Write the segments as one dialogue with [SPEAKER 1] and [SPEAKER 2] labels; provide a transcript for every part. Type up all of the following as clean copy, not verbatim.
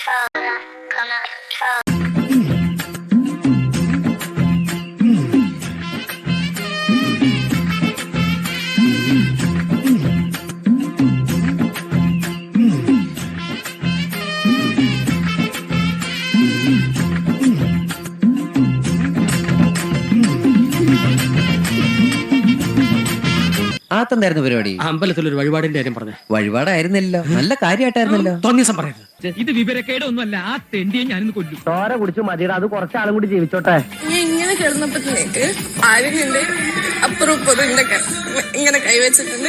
[SPEAKER 1] ആത്തെന്തായിരുന്നു പരിപാടി?
[SPEAKER 2] അമ്പലത്തിലൊരു വഴിപാടിന്റെ കാര്യം പറഞ്ഞു.
[SPEAKER 1] വഴിപാടായിരുന്നല്ലോ, നല്ല കാര്യമായിട്ടായിരുന്നല്ലോ.
[SPEAKER 2] തോന്നിയസം പറയരുത്.
[SPEAKER 3] ഇത് വിവരക്കേടൊന്നുമല്ല. ആ തെണ്ടിയെ ഞാനിന്ന് കൊല്ലും.
[SPEAKER 4] ചോര കുടിച്ചു മതിയുടെ അത് കുറച്ചാളും കൂടി ജീവിച്ചോട്ടെ.
[SPEAKER 5] ഇങ്ങനെ കിടന്നപ്പോഴത്തേക്ക് ആര്യന്റെ അപ്പുറം ഇങ്ങനെ കൈവച്ചിട്ടുണ്ട്.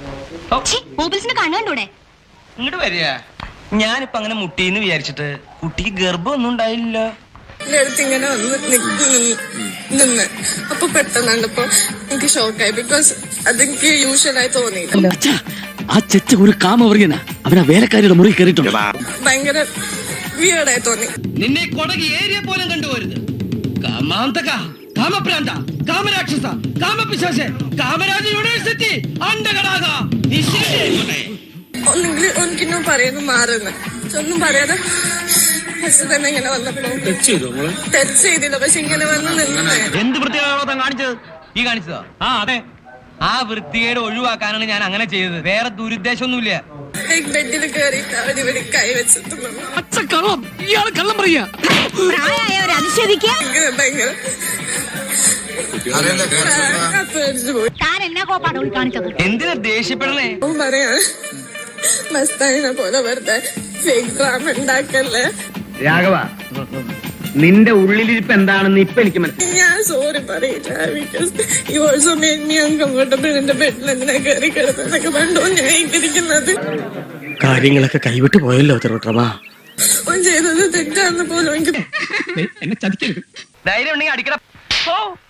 [SPEAKER 6] ഇങ്ങോട്ട് വരിക. ഞാനിപ്പോ അങ്ങനെ മുട്ടീന്ന് വിചാരിച്ചിട്ട് കുട്ടിക്ക് ഗർഭമൊന്നും ഉണ്ടായില്ല.
[SPEAKER 5] എന്റെ അടുത്ത് ഇങ്ങനെ വന്ന് നിന്ന് അപ്പൊ പെട്ടെന്ന് കണ്ടപ്പോ എനിക്ക് ഷോക്കായി. ബിക്കോസ് അതെനിക്ക് യൂഷ്വലായി തോന്നിയില്ല.
[SPEAKER 2] ആ ചെച്ച ഒരു കാമവർഗന അവനാ വേലക്കാരിയുടെ മുറി കയറിയിട്ടുണ്ട്.
[SPEAKER 5] ഭയങ്കര വിയേർഡായി തോന്നി.
[SPEAKER 6] നിന്നെ കൊടകി ഏരിയ പോലും കണ്ടുപോരുത്. കാമാന്തക, കാമപ്രാന്ത, കാമരാക്ഷസ, കാമപിശാച, കാമരാജ യൂണിവേഴ്സിറ്റി അണ്ടകടാക.
[SPEAKER 5] ഒന്നെങ്കിൽ എനിക്കിന്നും പറയുന്നു മാറുന്നു. ഒന്നും പറയാതെ തന്നെ ഇങ്ങനെ വന്നപ്പോ ടച്ച് ചെയ്തില്ല. പക്ഷെ ഇങ്ങനെ വന്ന് നിന്ന്
[SPEAKER 6] എന്ത് വൃത്തികേടാണോ കാണിച്ചത്? ഈ കാണിച്ചതോ? ആ അതെ, ആ വൃത്തികേട് ഒഴിവാക്കാനാണ് ഞാൻ അങ്ങനെ ചെയ്തത്. വേറെ ദുരുദ്ദേശമൊന്നുമില്ല.
[SPEAKER 5] ബെഡിൽ കയറിയിട്ട് അവരിവിടെ കൈവച്ചിട്ടുള്ളൂ.
[SPEAKER 2] ഇയാൾ കള്ളം പറയാ.
[SPEAKER 5] ഭയങ്കര
[SPEAKER 6] എന്തിനാ ദേഷ്യപ്പെടണേ?
[SPEAKER 5] പറയാ മസ്താനിനെ പോലെ വെറുതെ ഫേക്ക് ഡ്രാമ ഉണ്ടാക്കല്ലേ.
[SPEAKER 4] രാഘവ, നിന്റെ ഉള്ളിലിരിപ്പ് എന്താണെന്ന് ഇപ്പൊ എനിക്ക് മനസ്സിലായി.
[SPEAKER 5] ഞാൻ സോറി പറയില്ല. Because you also made me uncomfortable. എന്റെ ബെഡിൽ എന്തിനാ കയറി കിടന്നതൊക്കെ കണ്ടോ ഞാൻ ഇരിക്കുന്നത്.
[SPEAKER 2] കാര്യങ്ങളൊക്കെ കൈവിട്ട് പോയല്ലോ തിരുവട്ടമാ.
[SPEAKER 5] ചെയ്തത് തെറ്റാന്ന് പോലും എനിക്ക്
[SPEAKER 3] എന്നെ ചതിക്കരുത്.
[SPEAKER 6] ധൈര്യം ഉണ്ടെങ്കിൽ അടിക്കട.